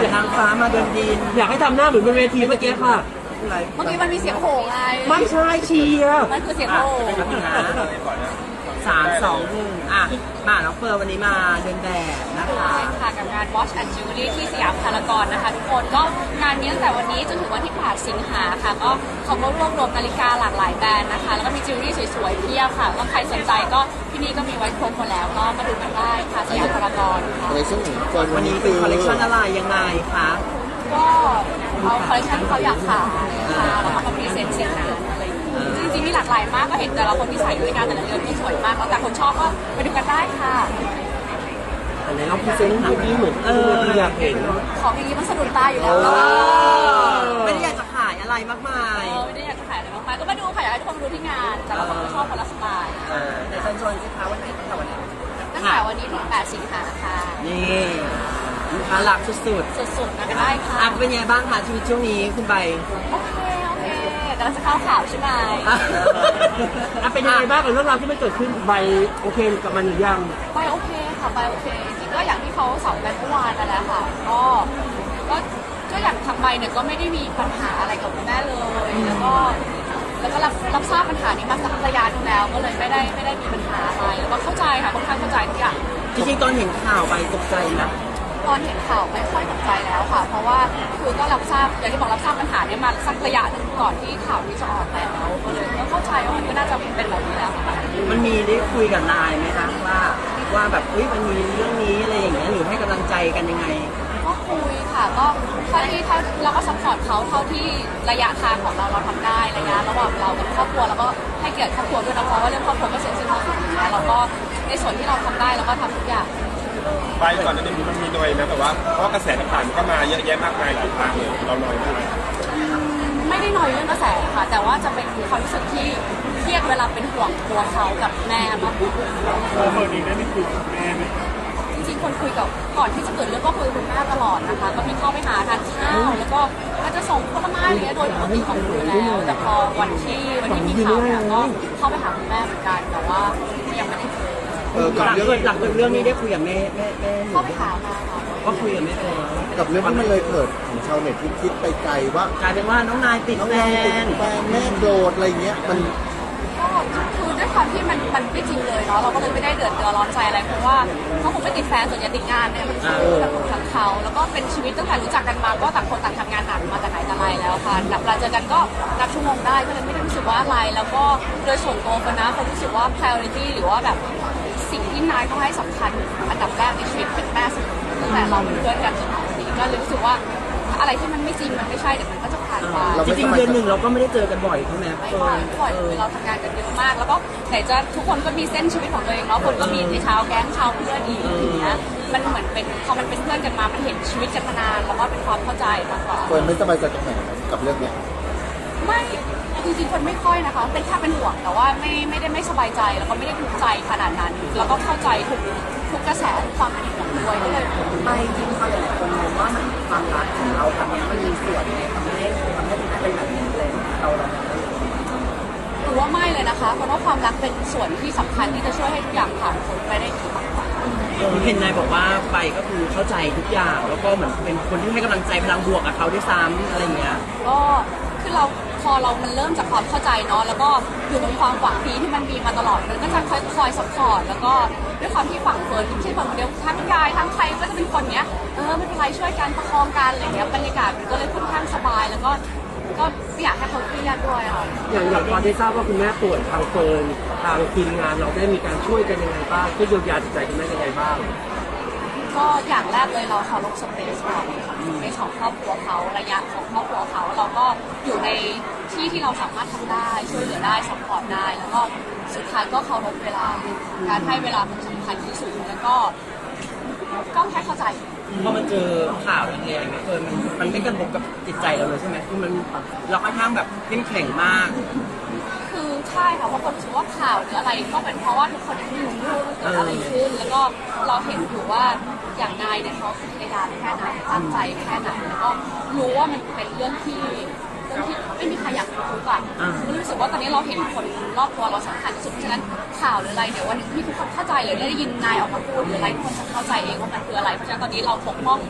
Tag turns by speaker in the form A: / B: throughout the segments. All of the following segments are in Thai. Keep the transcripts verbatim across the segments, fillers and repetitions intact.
A: จากทางฟ้ามาเดินดิน
B: อยากให้ทำหน้าเหมือนบนเวทีเมื่อกี้ค่ะ
C: เมื่อกี้มันมีเสียงโห่ไง
B: ไม่ใช่เชียร์
C: มันคือเสียงโห่
A: สามสองหนึ่งอ่ะมาน้องเฟิร์นวันนี้มาเดินแบบนะคะ
C: ค่ะกับงาน Watch and Jewelry ที่สยามพารากอนนะคะทุกคนก็งานนี้ตั้งแต่วันนี้จนถึงวันที่แปดสิงหาค่ะก็เขาก็รวบรวมนาฬิกาหลากหลายแบรนด์นะคะแล้วก็มีจิวเวลรี่สวยๆเพียบค่ะก็ใครสนใจก็ที่นี่ก็มีไว้ครบหมดแล้วก็มาดูกันได้ค่ะสยามพารากอนค่ะ
D: คอลเลคชั่นของคน
A: วั
D: วัน น
A: นี้
D: นี้
A: เป็
D: คื
A: น
D: อ
A: คอลเลคชันอะไรยังไงคะ
C: ก็เอาคอลเลคชันที่เขาอยากขายค่ะแล้วก็มาพรีเซนต์เซ็นงานอะไรอย่างเงี้ยจริงๆมีหลากหลายมากก็เห็นแต่ละคนที่ใส่ด้วยกันแต่ละเรือนที่สวยมากแล้วแต่คนชอบก็ไปดูกันได้ค่ะ
B: อันไหนเราพรีเซนต์เมื่อกี้เหมือนเอออยากเห็น
C: ของอย่างนี้มันสะดุดตาอยู่แล้ว
A: เอ
C: เนาะ
A: อไม่ได้อยากจะขายอะไรมากมาย
C: เออไม่ได้อยากจะขายอะไรมากมายก็มาดูค่ะอยากให้ทุกคนมาดูที่งานแต่ละคนก็ชอบคนละสไตล์
A: เออแต่เชิญชวนสิคะวันไหนตั้งแต่วันไหน
C: ตั้งแต่วันนี้ถึงแปดสิงหาค่ะ
A: นี่ลูกค้าหลักสุด
C: สุดๆนะได้
A: ๆ
C: ค่ะ
A: อ่ะเป็นไงบ้างคะชีวิตช่วงนี้คุณใบ
C: โอเคโอเคกำลังจะเข้าข่าวใช่ไหม
B: อ่ะเป็นยังไงบ้างกับเรื่องราวที่มันเกิดขึ้นใบโอเคกับมันหรือยัง
C: ไปโอเคค่ะไปโอเคจริงๆก็อย่างที่เขาสอนกันเมื่อวานนั่นแหละค่ะก็ก็ก็อย่างทางใบเนี่ยก็ไม่ได้มีปัญหาอะไรกับคุณแม่เลยแล้วก็แล้วก็รับรับทราบปัญหานี้มาสักระยะหนึงแล้วก็เลยไม่ได้ไม่ได้มีปัญหาอะไรแล้วก็เข้าใจค่ะค่อนข้างเข้าใจทุกอย่าง
A: จริงๆตอนเห็นข่าวใบตกใจนะ
C: ตอนเห็นข่าวไม่ค่อยตกใจแล้วค่ะ เพราะว่าคือก็รับทราบอย่างที่บอกรับทราบปัญหานี้มาสักระยะหนึ่งก่อนที่ข่าวนี้จะออกแล้วก็เลยก็เข้าใจว่ามันก็น่าจะเป็นแบบนี้แล้วค่ะ
A: มันมีได้คุยกับนายไหมคะว่าว่าแบบอุ้ยมันมีเรื่องนี้อะไรอย่างเงี้ยหรือให้กำลังใจกันยังไง
C: ก็คุยค่ะก็เท่าที่เท่าเราก็ซัพพอร์ตเขาเท่าที่ระยะทางของเราเราทำได้ระยะระหว่างเรากับครอบครัวแล้วก็ให้เกียรติครอบครัวด้วยนะเพราะว่าเรื่องครอบครัวก็เสียสิ่งที่สุดแล้วเราก็ในส่วนที่เราทำได้เราก็ทำทุกอย่าง
E: ไปก่อนหน้านี้มันมีหน่อยนะแต่ว่าเพราะว่ากระแสต่างๆมันก็มาเยอะแยะมากมายหลายทางเลยเราหน่อยมาก
C: ไม่ได้น้อยเรื่องกระแสค่ะ แต่ว่าจะเป็นความรู้สึกที่เครียดเวลาเป็นห่วงตัวเขากับแม่มากกว่า
E: เออดีได้ไม่คุยกับแม่ไหม
C: จริงๆคนคุยกับก่อนที่จะเกิดเรื่องก็คุยกับคุณแม่ตลอดนะคะ ก็มีเข้าไปหาทานข้าวแล้วก็ก็จะส่งผลไม้อะไรเงี้ยโดยปกติของหนูแล้ว แต่พอวันที่วันที่มีข่าวเนี่ยก็เข้าไปหาคุณแม่เหมือนกันแต่ว่ายังไม่ได้คุย
D: เออกับ
A: หลัง
D: เรื่อง
A: เกิดหลังเกิดเรื่องนี้ได้คุยกับแม่แม่แม่หนู
C: เข้าไปหามาค่ะ
A: ก็คุยกับแม่ไปแล้ว
D: กับเรื่องที่มันเลยเกิดของชาวเน็ตที่คิดไปไกลว่าก
A: ลายเป็นว่าน้องนายติด
D: น้อง
A: แฟ
D: นายติ
A: น
D: ดแฟนแม่โดดอะไรเงี้ยมัน
C: ก็คือด้วยความที่มันมันไม่จริงเลยเนาะเราก็เลยไม่ได้เดือดร้อนใจอะไรเพราะว่าเขาคงไม่ติดแฟนส่วนใหญ่ติดงานเนี่ยมันคือเรื่องของทางเขาแล้วก็เป็นชีวิตตั้งแต่รู้จักกันมาก็ต่างคนต่างทำงานหนักมาแต่ไหนแต่ไรแล้วค่ะนับเวลาเจอกันก็นับชั่วโมงได้ก็เลยไม่ได้รู้สึกว่าอะไร แล้วก็โดยส่วนตัวคนนะคนรู้สึกว่า priority หรือว่าแบบสิ่งที่นายเขาให้สำคัญอันดับแรกในชีวิตเป็นแม่เสมอตั้งแต่เราเป็นเพื่อนกันจนถึงวันนี้ก็เลยรู้สึกว่าอะไรที่มันไม่จริงมันไม่ใช่เดี๋ยวมันก็จะผ่านไป
A: จริงๆเดือนหนึ่งเราก็ไม่ได้เจอกันบ่อยใช่ไหม
C: ไม่บ่อยไม่บ่อยเลยเราทำงานกันเยอะมาก แล้วก็ไหนจะทุกคนก็มีเส้นชีวิตของตัวเองเนาะคนก็มีในชาวแก๊งชาวเพื่อนอีกอย่างเงี้ยมันเหมือนเป็นพอมันเป็นเพื่อนกันมามันเห็นชีวิตกันมานานแล้วก็เป็นความเข้าใจมากกว่า
D: เฟิร์นไม่สบายใจตรงไหนกับเรื่องเนี้ย
C: ไม่จริงๆคนไม่ค่อยนะคะเป็นแค่เป็นห่วงแต่ว่าไม่ไม่ได้ไม่สบายใจแล้วก็ไม่ได้ทุกข์ใจขนาดนั้น แล้วก็เข้าใจทุกทุกกระแสความเป็นห่วงด้วยก็เลย
A: ไม่จริงเขาหลายคนมองว่ามันความรักของเราครั้งนี้มันมีส่วนในทำให้ทำให้เป็นแบบนี้เลยเราเรา
C: หรือว่าไม่เลยนะคะเพราะว่าความรักเป็นส่วนที่สำคัญที่จะช่วยให้ทุกอย่างผ่านพ้นไปได้ดีมากกว่า
A: เห็นนายบอกว่าไปก็คือเข้าใจทุกอย่างแล้วก็เหมือนเป็นคนที่ให้กำลังใจพลังบวกกับเขาด้วยซ้ำอะไรเงี้ย
C: ก็คือเราพอเรามันเริ่มจากความเข้าใจเนาะแล้วก็อยู่บนความหวังดีที่มันมีมาตลอดมันก็จะคอยคอยสปอร์ตแล้วก็ด้วยความที่ฝั่งเฟิร์นไม่ใช่ฝั่งเดียวทั้งยายทั้งใครก็จะเป็นคนเนี้ยเออไม่เป็นไรช่วยกันประคองกันอะไรเงี้ยบรรยากาศมันก็เลยค่อนข้างสบายแล้วก็ก็ไม่อยากให้เขาเครียดด้วยอ่ะ
B: อย่างอย่างพอได้ทราบว่าคุณแม่ป่วยทางเฟิร์นทางทีมงานเราได้มีการช่วยกันยังไงบ้างช่วยเยียวยาจิตใจคุณแม่ยังไงบ้าง
C: ก็อย่างแรกเลยเราเคารพสเปซเราสเปซของครอบครัวเขาระยะของครอบครัวเขาเราก็อยู่ในที่ที่เราสามารถทำได้ช่วยเหลือได้สปอร์ตได้แล้วก็สุดท้ายก็เคารพเวลาการให้เวลาเป็นสำคัญที่สุดแล้วก็ก็แค่เข้าใจ
A: พอมันเจอข่าวแรงๆเนี่ยเออมันมันไม่กระทบกับจิตใจเราเลยใช่ไหมคือมันเราค่อนข้างแบบเข้มแข็งมาก
C: คือใช่ค่ะเพราะคนรู้สึกว่าข่าวหรืออะไรก็เป็นเพราะว่าทุกคนยังไม่รู้ว่าเกิดอะไรขึ้น แล้วก็เราเห็นอยู่ว่าอย่างนายเนี่ยเขาพยายามแค่ไหนตั้งใจแค่ไหนแล้วก็รู้ว่ามันเป็นเรื่องที่เรื่องที่ไม่มีใครอยากรู้อ่ะรู้สึกว่าตอนนี้เราเห็นคนรอบตัวเราสำคัญที่สุดเพราะฉะนั้นข่าวหรืออะไรเดี๋ยววันหนึ่งที่ทุกคนเข้าใจหรือได้ยินนายออกมาพูดหรืออะไรทุกคนจะเข้าใจเองว่ามันคืออะไรเพราะฉะนั้นตอนนี้เราปกป้อง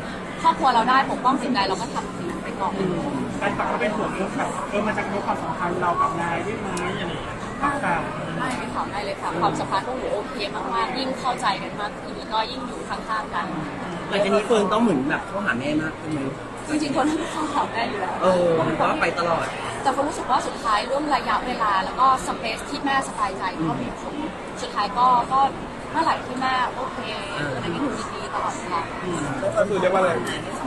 C: ครอบครัวเราได้ปกป้องจิตใจเราก็ทำสิ่งนั้นไปก่อน
F: แฟนคลับก็เป็นห่วงเรื่องแบบเออมันจะกระทบความสัมพันธ์เรากับนายได้ไหมอะไรอย่างเงี้ยต่าง
C: ไม่ไม่ถามได้เลยค่ะความสัมพันธ์พวกหนูโอเคมากๆยิ่งเข้าใจกันมากขึ้นแล้วก็ยิ่งอยู่ข้างๆกัน
A: หลังจากนี้เฟิร์นต้องเหมือนแบบเข้าหาแม่มากขึ้นไหม
C: จริงๆคนที่เข้าหาแม่อยู่แล้ว
A: เออมันก็ไปตลอด
C: แต่คนรู้สึกว่าสุดท้ายเรื่องระยะเวลาแล้วก็สเปซที่แม่สบายใจก็มีผลสุดท้ายก็ก็เมื่อไหร่ที่แม่โอเคอะไรที่หนูดีๆตลอดค่ะ
E: ก็คือเรียกว่าอะไร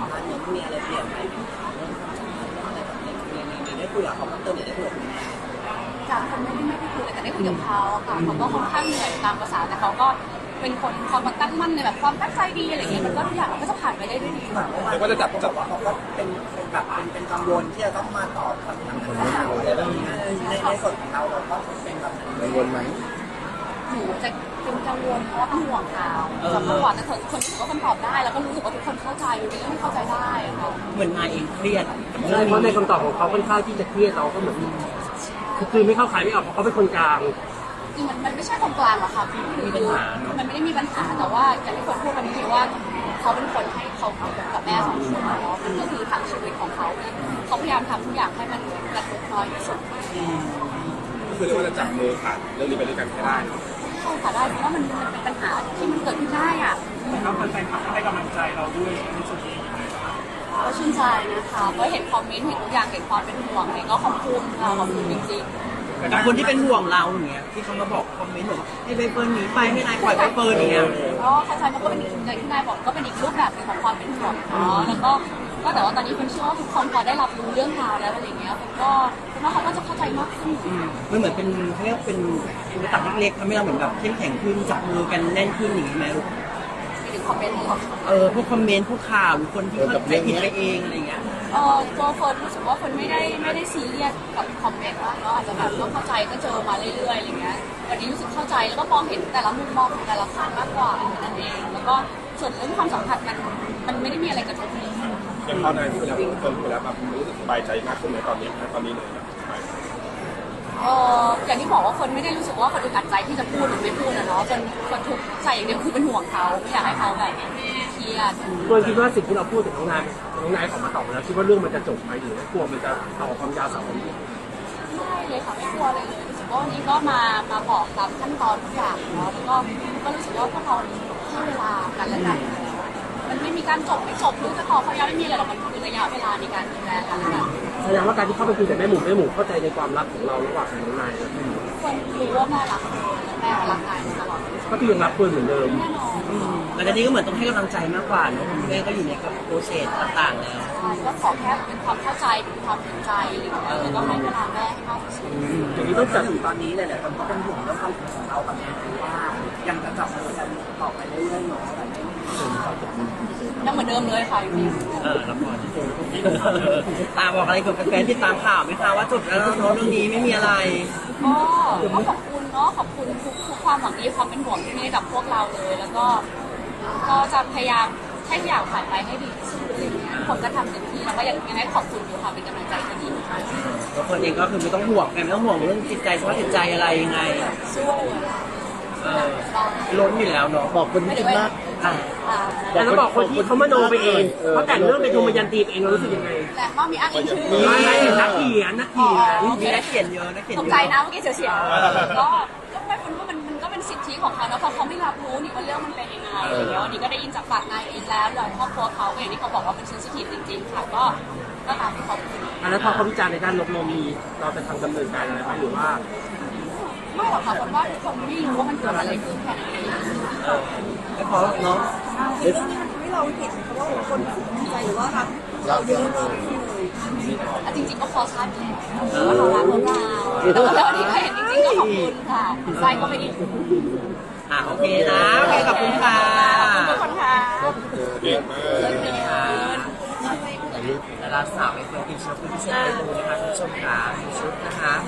A: ได้คุยกับเขาเติมได้คุยกับแม่
C: จากคนไม่ได้ไม่ได้คุยเลยแต่ได้คุยกับเขาค่ะเขาก็ค่อนข้างเหนื่อยตามภาษาแต่เขาก็เป็นคนความตั้งมั่นในแบบความตั้งใจดีอะไรอย่างเงี้ยมันก็ทุกอย่างมันก็จะผ่านไปได้ด้วยดีค่ะ
E: เรียกว่าจะจับจับ
A: เขาก็เป็นเป็นแบบเป็นเป็นกังวลที่จะต้องมาตอบคำถามต่างๆอะไรแบบนี้ในในส่วนของเราเราก็เป็นแบบนั้น
D: กังวลไหม
C: หนูจะเป็นกังวลเพราะว่าเป็นห่วงเขาแต่เมื่อก่อนนะเธอคนรู้สึกว่าคนตอบได้แล้วก็รู้สึกว่าทุกคนเข้าใจมันเป็นเรื่องที่เข้าใจได้ค่ะ
A: เหมือนนายเองเครียดกับ
B: ใช่
A: เรื่อง
B: เพราะใน
A: นี้
B: คำตอบของเขาค่อนข้างที่จะเครียดเราก็เหมือนคือไม่เข้าขายไม่ออกเพราะเขาเป็นคนกลาง
C: จริงมันมันไม่ใช่คนกลางหรอกค่ะคือมันไม่ได้มีปัญหาแต่ว่าอย่างที่คนพูดกันนี้ว่าเขาเป็นคนให้เขากับแม่สองคนเนาะมันก็คือทางชีวิตของเขาเขาพยายามทำทุกอย่างให้มันกระทบน้อยที่สุด
E: ก็คือเรียกว่าจะจับมือผ่านเรื่องนี้ไปด้วยกันให้ได้
C: ใช่ค่ะได้เพราะว่ามันมันเป็นปัญหาที่มันเกิดขึ้นได้อ่ะ
F: ๆแล้วแฟนคลับก็ให้กำลังใจเราด้วยในส่วนนี้
C: ก็ชื่นใจนะคะก็เห็นคอมเมนต์เห็นทุกอย่างเห็นความเป็นห่วงเห็นก็ขอบคุณค่ะขอบคุณจริงๆ
A: แต่คนที่เป็นห่วงเราอย่างเงี้ยที่เขามาบอกคอมเมนต์บอกให้ใบเฟิร์นหนีไปให้นายปล่อยใบเฟิร์นอย่างเงี้ย
C: ก็เข้าใจมันก็เป็นอีกอย่างที่นายบอกก็เป็นอีกรูปแบบหนึงของความเป็นห่วงเนาะแล้วก็ก็แต่ว่าตอนนี้คุณเชื่อว่าทุกคนพอได้รับรู้เรื่องราวแล้วอะไรเงี้ยคุณก็คุณว่าเขาก็จะเข้าใจมากขึ้น
A: มันเหมือนเป็นเขาเรียกว่าเป็นอุปสรรคเล็กๆทำให้เราเหมือนแบบเข้มแข็งขึ้นจับมือกันแน่นขึ้นอย่างนี้ไหมลูก
C: ไปถึงคอมเมนต์ของ
A: เออพวกคอมเมนต์พวกข่าวหรือคนที่เข้าใจผิดไปเองอะไรเงี้ย
C: เออตัวคนรู้สึกว่าคนไม่ได้ไม่ได้ซีเรียสกับคอมเมนต์ว่าเนาะอาจจะแบบก็เข้าใจก็เจอมาเรื่อยๆอะไรเงี้ยวันนี้รู้สึกเข้าใจแล้วก็มองเห็นแต่ละมุมมองของแต่ละฝ่ายมากกว่านั่นเองแล้วก็ส่วนเรื่องความสัมพันธ์มันมันไม่ได้มีอะไรกระทบเลย
E: อย่างพอนายพูดแล้วคนพูดแล้วแบบรู้สึกสบายใจมากขึ้นในตอนนี้นะตอนนี้เลยนะ
C: เอออย่างที่บอกว่าคนไม่ได้รู้สึกว่าคนอึดอัดใจที่จะพูดหรือไม่พูดนะเนาะจนคนทุกข์ใจอย่างเดียวคือเป็นห่วงเขาไม่อยากให้เขาแบบเครียด
B: ตัวคิดว่าสิ่งที่เราพูดถึงน้องนายน้องนายออกมาตอบแล้วคิดว่าเรื่องมันจะจบไหมหรือว่ากลัวมันจะต่อความยาวสาวไปอีก
C: ไม่เลยค่ะไม่กลัวเลยเลยรู้สึกว่าวันนี้ก็มามาบอกตามขั้นตอนทุกอย่างเนาะแล้วก็ก็รู้สึกว่าพวกเราให้เวลากันและกันมันไม่มีการจบไม่จบหรือจะต่อเขายาวไม่มีอะไรหรอกมันคือระยะเวลาในการดูแลกันและกัน
B: แสดงว่าการที่เข้าไปคุยกับแม่หมูแม่หมูเข้าใจในความรักของเราระหว่างน้องนายและ
C: คนรู้ว่าแม่รักแม่รักนายตลอด
B: ก็คือยังรักเฟิร์นเหมือนเดิม
C: แน่นอน
A: หลังจากนี้ก็เหมือนต้องให้กำลังใจมากกว่าเนอะคุณแม่ก็อยู่ในกับโปรเซสต่างๆแล้ว
C: ใช่ก็ขอแค่เป็นความเข้าใจเป็นความเห็นใจอะไรอย่างเงี้ยแล้วก็ให้เวลาแม่ให้มากที่สุด
B: อย่างนี้ต้องจัด
A: ตอนนี้หลายๆคนก็เป็นห่วงเรื่องความสัมพันธ์ของเรากับแม่ว่ายังจะจับมือกันต่อไปเรื่อยๆเนาะอะไรอย่างเงี้ย
C: ยังเหมือนเดิมเลยค่ะพี่
A: เออละครตาบอกอะไรกับแฟนๆที่ตามข่าวไหมคะว่าจบแล้วเนาะเรื่องนี้ไม่มีอะไร
C: ก็ก็ขอบคุณเนาะขอบคุณทุกทุกความหวังดีความเป็นห่วงที่มีให้กับพวกเราเลย แล้วก็ก็จะพยายามให้ทุกอย่างผ่านไปให้ดีที่สุดอะไรอย่างเงี้ยทุกคนก็ทำเต็มที่แล้วก็ยังยังให้ขอบคุณอยู่ค่ะเป็นกำลังใจที่ดีค่ะ
A: ตัวคนเองก็คือไม่ต้องห่วงไงไม่ต้องห่วงเรื่องจิตใจสภาพจิตใจอะไรยังไง
C: สู้
A: เออล้นอยู่แล้วเนาะ
D: บอกคนที่คิดมาก
A: อ่ะ
C: อ่า
B: แต่เราบอกคนที่เขามโนไปเองเขาแต่งเรื่องเป็นดวงวิญญาณตีไปเองเรารู้สึกยังไง
C: แต่ว่ามีอ้างอิงชื่อ
B: ไม่นักเขียนนักเขียน
A: มีนักเขียนเยอะนักเขียน
C: ต
A: เย
C: ก
A: อะ
C: ใจนะเมื่อกี้เสียวๆก็ก็ไม่คุณว่ามันมันก็เป็นสิทธิของเขานะเพราะเขาไม่รับรู้นี่ว่าเรื่องมันเป็นยังไงอะไรอย่างเงี้ยวันนี้ก็ได้ยินจากปากนายเองแล้วแล้วครอบครัวเขาอย่างที่เขาบอกว่ามันเซนซิทีฟจริงๆค่ะก็ก็ตามที่เขาพูด
B: อันนั้นพอเขาวิจารณ์ในด้านลบเรามีเราจะทำดำเนินการอะไรไหมหรือว่า
C: ไม่หรอกค่ะคนว่าทุกคนไม่รู้ว่ามันเกิดอะไรขึ้นแค่นั้นเอง
A: เออไม่พอเนาะ
D: เอ๊ะ
C: ให้เราเห็นว่าคนใจหรือว่ารัก
D: เราเยอะเลย
C: จริงๆก็พอทราบอยู่แล้วว่าเขารักพวกเราแต่ว่าวันนี้ก็เห็นจริงๆก็ขอบคุณค่ะใจก็ไปอีก
A: อ่ะโอเคนะโอเคขอบคุณค่ะ
C: ขอบคุณทุกคนค่ะ
E: เก่งมาก
A: สวัสดีค่ะดาราสาวไปเฟิร์นกินชุดพิเศษไปดูนะคะคุณผู้ชมค่ะชุดนะคะ